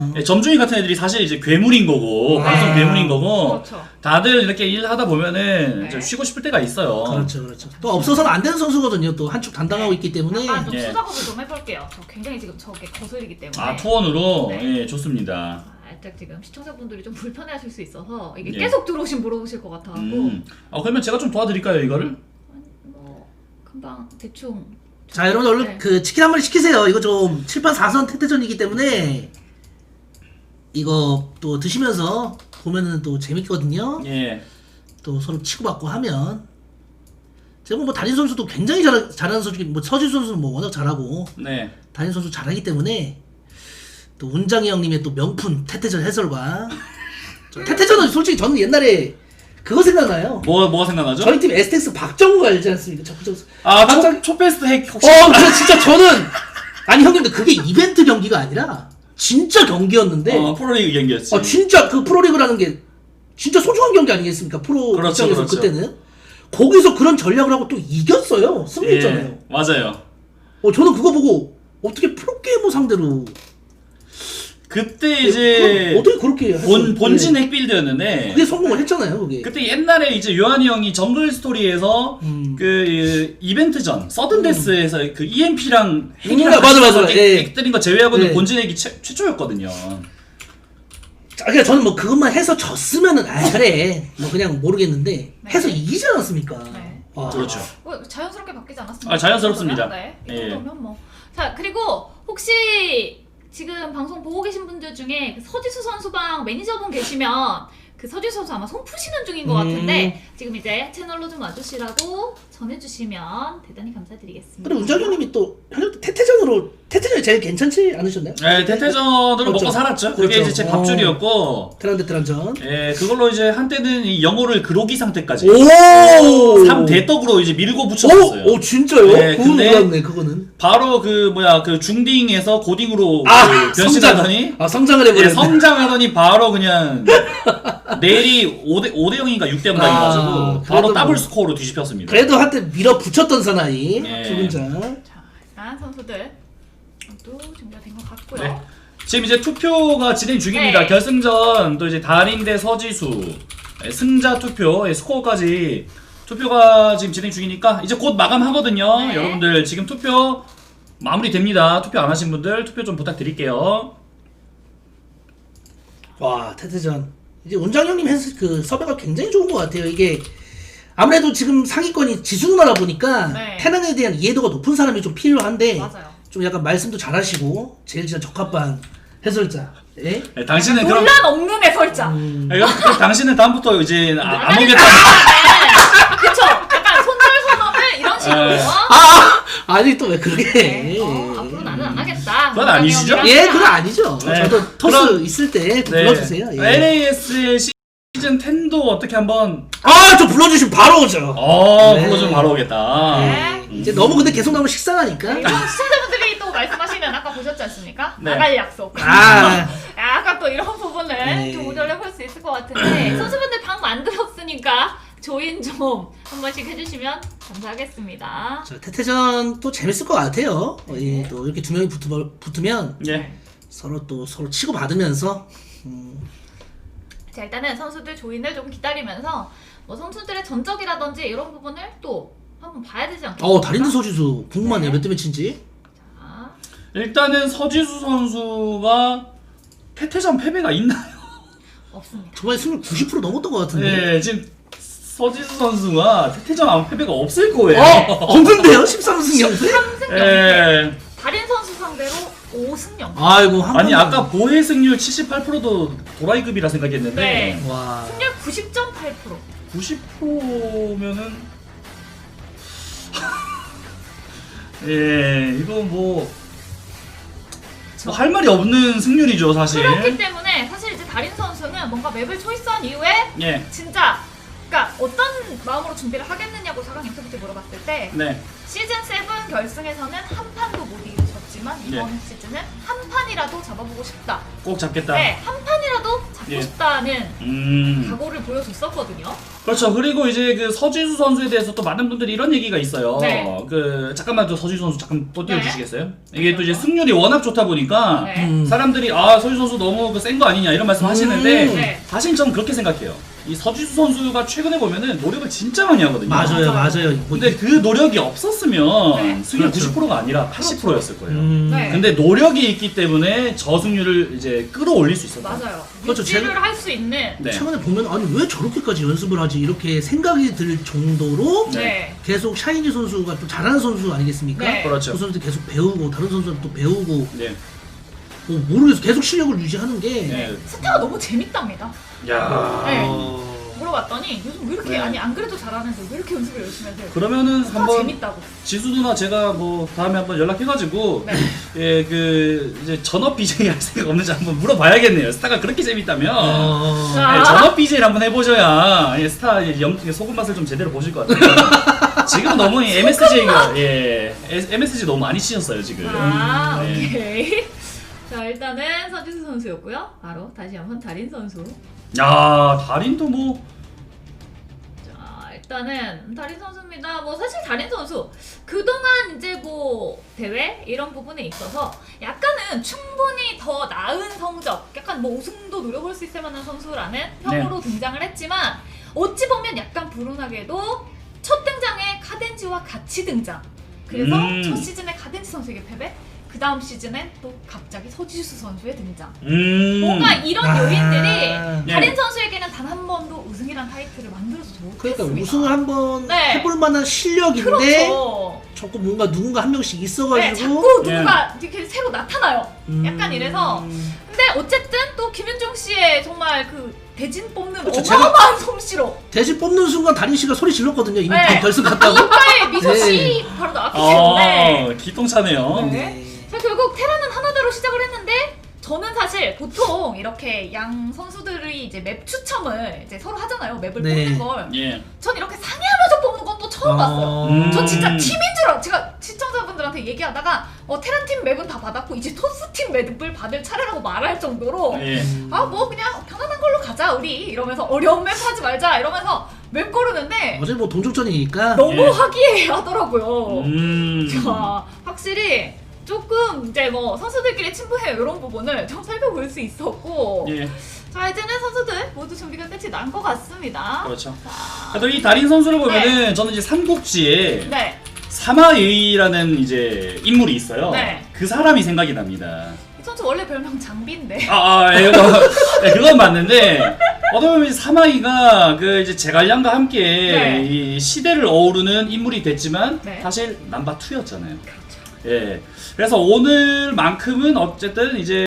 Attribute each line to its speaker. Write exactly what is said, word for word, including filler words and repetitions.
Speaker 1: 예, 점중이 같은 애들이 사실 이제 괴물인 거고
Speaker 2: 네.
Speaker 1: 방송 괴물인 거고
Speaker 2: 그렇죠.
Speaker 1: 다들 이렇게 일하다 보면은
Speaker 2: 네.
Speaker 1: 이제 쉬고 싶을 때가 있어요.
Speaker 3: 그렇죠, 그렇죠. 또 없어서는 안 되는 선수거든요. 또 한축 담당하고 있기 때문에.
Speaker 2: 약간 좀
Speaker 1: 예.
Speaker 2: 수작업을 좀 해볼게요. 저 굉장히 지금 저게 거슬리기 때문에.
Speaker 1: 아 투원으로
Speaker 2: 네.
Speaker 1: 예, 좋습니다.
Speaker 2: 살짝 지금 시청자분들이 좀 불편해하실 수 있어서 이게
Speaker 1: 예.
Speaker 2: 계속 들어오신 물어보실 것 같아서
Speaker 1: 음. 아 그러면 제가 좀 도와드릴까요 이거를?
Speaker 2: 뭐 금방 대충.
Speaker 3: 자, 여러분 얼른
Speaker 2: 네.
Speaker 3: 그 치킨 한 마리 시키세요. 이거 좀 칠 판 사 선 태태전이기 때문에 이거 또 드시면서 보면은 또 재밌거든요.
Speaker 1: 예.
Speaker 3: 또 서로 치고받고 하면 제가 뭐 달인 선수도 굉장히 잘, 잘하는 선수, 뭐 서지 선수는 뭐 워낙 잘하고
Speaker 1: 네.
Speaker 3: 달인 선수 잘하기 때문에 또 운장이 형님의 또 명품 태태전 해설과 저 태태전은 솔직히 저는 옛날에 그거 생각나요.
Speaker 1: 뭐 뭐가 생각나죠?
Speaker 3: 저희 팀 에스텍스 박정구 알지 않습니까? 적극적.
Speaker 1: 아
Speaker 3: 박정-
Speaker 1: 초, 초베스트 핵 혹시?
Speaker 3: 어, 저 진짜 저는 아니 형님들 그게 이벤트 경기가 아니라 진짜 경기였는데
Speaker 1: 어, 프로리그 경기였지.
Speaker 3: 아 진짜 그 프로리그라는 게 진짜 소중한 경기 아니겠습니까? 프로
Speaker 1: 그렇죠,
Speaker 3: 입장에서
Speaker 1: 그렇죠.
Speaker 3: 그때는 거기서 그런 전략을 하고 또 이겼어요. 승리했잖아요.
Speaker 1: 예, 맞아요.
Speaker 3: 어 저는 그거 보고 어떻게 프로게이머 상대로
Speaker 1: 그때
Speaker 3: 그-
Speaker 1: 이제
Speaker 3: 어떻게 그렇게 할
Speaker 1: 본
Speaker 3: 수-
Speaker 1: 본진
Speaker 3: 네.
Speaker 1: 핵빌드였는데
Speaker 3: 그게 성공을 했잖아요. 그게.
Speaker 1: 그때 옛날에 이제 요한이 형이 정글 스토리에서
Speaker 3: 음.
Speaker 1: 그 이벤트전 서든데스에서 그 이엠피랑
Speaker 3: 음,
Speaker 1: 핵이랑
Speaker 3: 맞아,
Speaker 1: 같이
Speaker 3: 맞아.
Speaker 1: 액-
Speaker 3: 예.
Speaker 1: 액들인 거 제외하고는
Speaker 3: 예.
Speaker 1: 본진 핵이 최, 최초였거든요.
Speaker 3: 자, 그러니까 저는 뭐 그것만 해서 졌으면은 아 그래 뭐 그냥 모르겠는데
Speaker 2: 네.
Speaker 3: 해서 이기지 않았습니까?
Speaker 2: 네.
Speaker 3: 와.
Speaker 1: 그렇죠.
Speaker 2: 뭐 자연스럽게 바뀌지 않았습니까?
Speaker 1: 아, 자연스럽습니다.
Speaker 2: 네. 이
Speaker 1: 예.
Speaker 2: 정도면 뭐. 자 그리고 혹시 지금 방송 보고 계신 분들 중에 그 서지수 선수방 매니저분 계시면 그 서지수 선수 아마 손 푸시는 중인 것
Speaker 3: 음.
Speaker 2: 같은데 지금 이제 채널로 좀 와주시라고 전해주시면 대단히 감사드리겠습니다.
Speaker 3: 그리고 운장님이 또 현역 태태전으로 태태전이 제일 괜찮지 않으셨나요?
Speaker 1: 네, 대퇴전으로
Speaker 3: 그렇죠.
Speaker 1: 먹고 살았죠. 그게
Speaker 3: 그렇죠.
Speaker 1: 이제 제 밥줄이었고
Speaker 3: 테란데 테란전.
Speaker 1: 예, 그걸로 이제 한때는 이 영어를 그로기 상태까지
Speaker 3: 오.
Speaker 1: 삼 대떡으로 이제 밀고 붙였었어요.
Speaker 3: 오, 오 진짜요?
Speaker 1: 네,
Speaker 3: 그건
Speaker 1: 근데-
Speaker 3: 몰랐네 그거는.
Speaker 1: 바로 그 뭐야 그 중딩에서 고딩으로
Speaker 3: 아
Speaker 1: 그 변신하더니
Speaker 3: 성장. 아 성장을
Speaker 1: 예,
Speaker 3: 해버렸네.
Speaker 1: 성장하더니 바로 그냥 내일이 오 대 오 대 영인가 육 대 영 당해가지고
Speaker 3: 아,
Speaker 1: 바로
Speaker 3: 그래도
Speaker 1: 더블
Speaker 3: 뭐.
Speaker 1: 스코어로 뒤집혔습니다.
Speaker 3: 그래도 한때 밀어 붙였던 사나이
Speaker 1: 예.
Speaker 3: 두 분자.
Speaker 2: 자 일단 선수들 모두 준비가 된 것 같고요.
Speaker 1: 네. 지금 이제 투표가 진행 중입니다.
Speaker 2: 네.
Speaker 1: 결승전 또 이제 달인 대 서지수 예, 승자 투표 예, 스코어까지 투표가 지금 진행 중이니까 이제 곧 마감하거든요.
Speaker 2: 네.
Speaker 1: 여러분들 지금 투표 마무리됩니다. 투표 안 하신 분들 투표 좀 부탁드릴게요.
Speaker 3: 와 태태전. 이제 원장 형님 해서 그 섭외가 굉장히 좋은 것 같아요. 이게 아무래도 지금 상위권이 지수 누나라 보니까
Speaker 2: 네.
Speaker 3: 테란에 대한 이해도가 높은 사람이 좀 필요한데
Speaker 2: 맞아요.
Speaker 3: 좀 약간 말씀도 잘하시고 제일 진짜 적합한 해설자. 예?
Speaker 1: 예, 당신은 그럼
Speaker 2: 논란 없는 해설자.
Speaker 3: 음.
Speaker 1: 예, 그럼, 그럼 당신은 다음부터 이제 아, 안 오겠다.
Speaker 2: 네. 그쵸. 약간 손절 선언을 이런 식으로.
Speaker 1: 예.
Speaker 3: 아 아니 또 왜 그렇게 해?
Speaker 2: 네. 어, 앞으로 나는 안 하겠다.
Speaker 1: 그건 아니시죠?
Speaker 3: 예, 그건 아니죠.
Speaker 1: 네.
Speaker 3: 저도 토스
Speaker 1: 그럼-
Speaker 3: 있을 때
Speaker 1: 네.
Speaker 3: 불러주세요. 예.
Speaker 1: 엘에이에스의 시즌 텐도 어떻게 한번
Speaker 3: 아, 저 불러주시면 바로 오죠.
Speaker 1: 어
Speaker 3: 네.
Speaker 1: 불러주면 바로 오겠다.
Speaker 2: 네.
Speaker 3: 이제 너무 근데 계속 나오면 식상하니까.
Speaker 2: 그리고 시청자분들이 또 말씀하시는 아까 보셨지 않습니까?
Speaker 1: 네.
Speaker 2: 나갈 약속.
Speaker 3: 아,
Speaker 2: 약간 또 이런 부분을
Speaker 3: 네.
Speaker 2: 좀 조절해볼 수 있을 것 같은데 선수분들 방 만들었으니까 조인 좀 한 번씩 해주시면 감사하겠습니다.
Speaker 3: 저 태태전 또 재밌을 것 같아요. 어, 예, 또 이렇게 두 명이 붙으, 붙으면
Speaker 1: 예.
Speaker 3: 서로 또 서로 치고 받으면서. 음,
Speaker 2: 자 일단은 선수들 조인을 좀 기다리면서 뭐 선수들의 전적이라든지 이런 부분을 또 한번 봐야 되지 않겠습니까?
Speaker 3: 어, 달인드 서지수 궁금하네요.
Speaker 2: 네.
Speaker 3: 몇 대 몇인지.
Speaker 2: 자,
Speaker 1: 일단은 서지수 선수가 태태전 패배가 있나요?
Speaker 2: 없습니다.
Speaker 3: 저번에 승률 구십 퍼센트 넘었던 것 같은데.
Speaker 1: 예, 지금 서지수 선수가 태태전 아무 패배가 없을 거예요.
Speaker 3: 어, 없는데요? 십삼 승 영 패?
Speaker 2: 삼 승 영 패.
Speaker 1: 예.
Speaker 2: 달인 선수 상대로 오 승 영 패.
Speaker 3: 아이고 한
Speaker 1: 아니
Speaker 3: 번만.
Speaker 1: 아까 보혜 승률 칠십팔 퍼센트도 도라이급이라 생각했는데
Speaker 2: 네.
Speaker 3: 와.
Speaker 2: 승률 구십 점 팔 퍼센트.
Speaker 1: 구십 퍼센트면은 예, 이거 뭐. 뭐 할 말이 없는 승률이죠, 사실.
Speaker 2: 그렇기 때문에 사실 이제 달인 선수는 뭔가 맵을 초이스한 이후에
Speaker 1: 예.
Speaker 2: 진짜 그러니까 어떤 마음으로 준비를 하겠느냐고 사강 인터뷰 때 물어봤을 때
Speaker 1: 네.
Speaker 2: 시즌 칠 결승에서는 한 판도 못 이기셨지만 이번
Speaker 1: 예.
Speaker 2: 시즌은 한 판이라도 잡아보고 싶다.
Speaker 1: 꼭 잡겠다.
Speaker 2: 네, 한 판이라도 잡고
Speaker 1: 예.
Speaker 2: 싶다는
Speaker 1: 음.
Speaker 2: 각오를 보여줬었거든요.
Speaker 1: 그렇죠. 그리고 이제 그 서지수 선수에 대해서 또 많은 분들이 이런 얘기가 있어요.
Speaker 2: 네.
Speaker 1: 그 잠깐만 또 서지수 선수 잠깐 또 띄워주시겠어요? 이게 또 이제
Speaker 2: 그렇죠.
Speaker 1: 승률이 워낙 좋다 보니까
Speaker 2: 네.
Speaker 3: 음.
Speaker 1: 사람들이 아 서지수 선수 너무 그 센 거 아니냐 이런 말씀 하시는데
Speaker 3: 음.
Speaker 2: 네.
Speaker 1: 사실 저는 그렇게 생각해요. 이 서지수 선수가 최근에 보면은 노력을 진짜 많이 하거든요.
Speaker 3: 맞아요,
Speaker 2: 맞아요.
Speaker 3: 맞아요. 뭐
Speaker 1: 근데 그 노력이 없었으면
Speaker 2: 네.
Speaker 1: 승률
Speaker 3: 그렇죠.
Speaker 1: 구십 퍼센트가 아니라 팔십 퍼센트였을 거예요.
Speaker 3: 음.
Speaker 2: 네.
Speaker 1: 근데 노력이 있기 때문에 저승률을 이제 끌어올릴 수 있었다.
Speaker 2: 맞아요.
Speaker 3: 그렇죠.
Speaker 2: 유지를
Speaker 3: 제가-
Speaker 2: 할 수 있는
Speaker 1: 네.
Speaker 3: 최근에 보면 아니 왜 저렇게까지 연습을 하지 이렇게 생각이 들 정도로
Speaker 1: 네.
Speaker 2: 네.
Speaker 3: 계속 샤이니 선수가 또 잘하는 선수 아니겠습니까?
Speaker 2: 네.
Speaker 1: 그렇죠.
Speaker 3: 그 선수들 계속 배우고 다른 선수들 또 배우고
Speaker 1: 네.
Speaker 3: 뭐 모르겠어 계속 실력을 유지하는 게
Speaker 1: 네.
Speaker 2: 스타가 너무 재밌답니다.
Speaker 1: 야.
Speaker 2: 네.
Speaker 3: 어...
Speaker 2: 물어봤더니 요즘 왜 이렇게
Speaker 1: 네.
Speaker 2: 아니 안 그래도 잘하는데 왜 이렇게 연습을 열심히 하세요?
Speaker 1: 그러면은
Speaker 2: 스타
Speaker 1: 한번
Speaker 2: 재밌다고.
Speaker 1: 지수 누나 제가 뭐 다음에 한번 연락해가지고
Speaker 2: 네.
Speaker 1: 예 그 이제 전업 비제이 할 생각 없는지 한번 물어봐야겠네요. 스타가 그렇게 재밌다면
Speaker 3: 어...
Speaker 2: 자.
Speaker 1: 예, 전업 비제이를 한번 해보셔야 예, 스타 영 소금 맛을 좀 제대로 보실 것 같아요. 지금 너무 엠에스지가 예 엠에스지 너무 많이 치셨어요 지금.
Speaker 2: 아
Speaker 1: 네.
Speaker 2: 오케이. 자 일단은 서지수 선수였고요. 바로 다시 한번 달인 선수.
Speaker 1: 야 달인도 뭐
Speaker 2: 자 일단은 달인 선수입니다. 뭐 사실 달인 선수 그동안 이제 뭐 대회 이런 부분에 있어서 약간은 충분히 더 나은 성적, 약간 뭐 우승도 노려볼 수 있을 만한 선수라는 평으로 등장을 했지만 어찌 보면 약간 불운하게도 첫 등장에 카덴지와 같이 등장. 그래서
Speaker 1: 음.
Speaker 2: 첫 시즌에 카덴지 선수에게 패배. 그 다음 시즌엔 또 갑자기 서지수 선수의 등장.
Speaker 1: 음.
Speaker 2: 뭔가 이런
Speaker 3: 아.
Speaker 2: 요인들이
Speaker 1: 네.
Speaker 2: 달인 선수에게는 단 한 번도 우승이란 타이틀을 만들어서
Speaker 3: 그러니까
Speaker 2: 못했습니다.
Speaker 3: 우승을 한번
Speaker 2: 네.
Speaker 3: 해볼 만한 실력인데
Speaker 2: 그렇죠.
Speaker 3: 자꾸 뭔가 누군가 한 명씩
Speaker 2: 네,
Speaker 3: 있어가지고
Speaker 2: 자꾸 누군가 이렇게 새로 나타나요.
Speaker 3: 음.
Speaker 2: 약간 이래서. 근데 어쨌든 또 김윤중 씨의 정말 그 대진 뽑는
Speaker 3: 그렇죠,
Speaker 2: 어마어마한 솜씨로
Speaker 3: 대신 뽑는 순간 달인 씨가 소리 질렀거든요. 이미
Speaker 2: 네.
Speaker 3: 결승 갔다고.
Speaker 2: 이빨에 미소 씨
Speaker 3: 네.
Speaker 2: 바로 나왔기 때문에.
Speaker 1: 어 기똥차네요.
Speaker 2: 네. 자 결국 테라는 하나대로 시작을 했는데 저는 사실 보통 이렇게 양 선수들이 이제 맵 추첨을 이제 서로 하잖아요. 맵을
Speaker 3: 네.
Speaker 2: 뽑는 걸.
Speaker 1: 예.
Speaker 2: 전 이렇게 상의하면서 뽑는 건 또 처음 봤어요.
Speaker 1: 음.
Speaker 2: 전 진짜 팀인 줄 알아. 제가 시청자분들한테 얘기하다가 어 테란 팀 맵은 다 받았고 이제 토스 팀 맵을 받을 차례라고 말할 정도로
Speaker 1: 예.
Speaker 2: 아 뭐 그냥 편안한 걸로 가자 우리 이러면서 어려운 맵 하지 말자 이러면서 맵 고르는데
Speaker 3: 어제 뭐 동족전이니까
Speaker 2: 너무
Speaker 1: 예.
Speaker 2: 화기애애하더라고요.
Speaker 1: 음.
Speaker 2: 자 확실히 조금 이제 뭐 선수들끼리 친분해 이런 부분을 좀 살펴볼 수 있었고
Speaker 1: 예.
Speaker 2: 자 이제는 선수들 모두 준비가 끝이 난 것 같습니다.
Speaker 1: 그렇죠.
Speaker 2: 자,
Speaker 1: 그래도 이 달인 선수를 보면은 저는 이제 삼국지에
Speaker 2: 네.
Speaker 1: 사마의라는 이제 인물이 있어요.
Speaker 2: 네.
Speaker 1: 그 사람이 생각이 납니다.
Speaker 2: 이 선수 원래 별명 장비인데.
Speaker 1: 아, 아 예, 그거, 네, 그건 맞는데 어떻게 보면 사마이가 그 이제 제갈량과 함께
Speaker 2: 네.
Speaker 1: 이 시대를 어우르는 인물이 됐지만
Speaker 2: 네.
Speaker 1: 사실 남바 투였잖아요.
Speaker 2: 그렇죠.
Speaker 1: 예. 그래서 오늘만큼은 어쨌든 이제